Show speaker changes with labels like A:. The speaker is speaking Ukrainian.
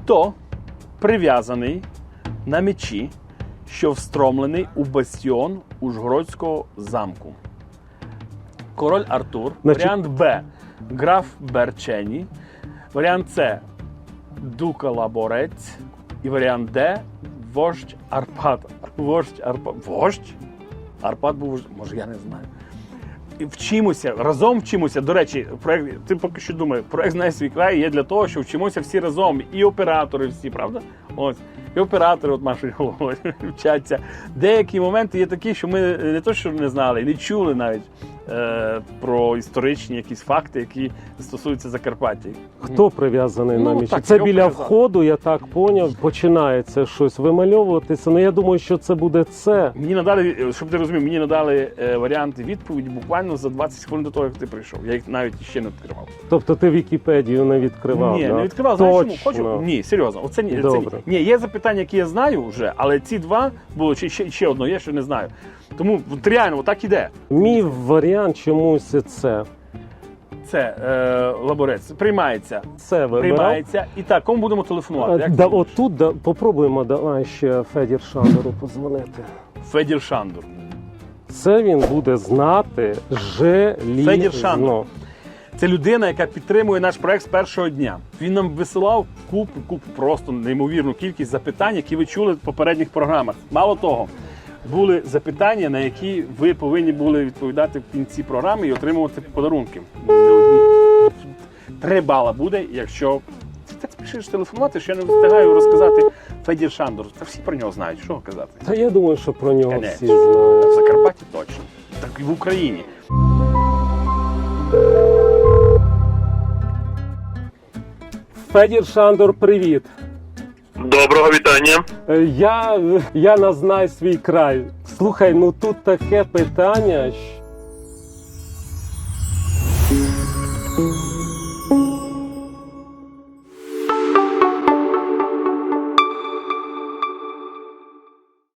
A: Хто прив'язаний на мечі, що встромлений у бастіон Ужгородського замку? Король Артур. Варіант Б. Граф Берчені. Варіант С. Дука Лаборець. І варіант Д. Вождь Арпад. Вождь? Арпад був вождь? Може, я не знаю. І вчимося, разом вчимося. До речі, проект, ти поки що думаєш, проект «Знай свій край» є для того, що вчимося всі разом. І оператори всі, правда? Ось. І оператори, от Машою головою, вчаться. Деякі моменти є такі, що ми не то, що не знали, не чули навіть про історичні якісь факти, які стосуються Закарпаття.
B: Хто прив'язаний на мечі?
A: Так,
B: Це
A: його
B: біля
A: прив'язали.
B: входу, я так поняв, починається щось вимальовуватися. Ну, я думаю, що це буде це.
A: Мені надали, щоб ти розумів, мені надали варіанти відповіді буквально за 20 хвилин до того, як ти прийшов. Я їх навіть ще не відкривав.
B: Тобто ти Вікіпедію не відкривав?
A: Ні,
B: да?
A: не відкривав. Знаєш чому?
B: Точно.
A: Хочу? Ні, серйозно. Оце ні.
B: Добре.
A: Ні, є запитання, які я знаю вже, але ці два було, чи ще одно є, що не знаю. Тому от реально, отак іде.
B: Мій варіант чомусь це.
A: Це Лаборець. Приймається.
B: Це вибирав.
A: Приймається. І так, кому будемо телефонувати? Як
B: Да,
A: ти думаєш?
B: отут попробуємо давай ще Федір Шандору позвонити.
A: Федір Шандор.
B: Це він буде знати желізно.
A: Федір Шандор. Це людина, яка підтримує наш проект з першого дня. Він нам висилав купу, просто неймовірну кількість запитань, які ви чули в попередніх програмах. Мало того, були запитання, на які ви повинні були відповідати в кінці програми і отримувати подарунки. 3 бала буде, якщо ти так спішиш телефонувати, що я не встигаю розказати Федір Шандор. Та всі про нього знають, що казати.
B: Та я думаю, що про нього
A: Конечно.
B: всі знають.
A: В Закарпатті точно. Так і в Україні.
B: Федір Шандор, привіт.
C: Доброго вітання.
B: Я на «Знай свій край». Слухай, ну тут таке питання.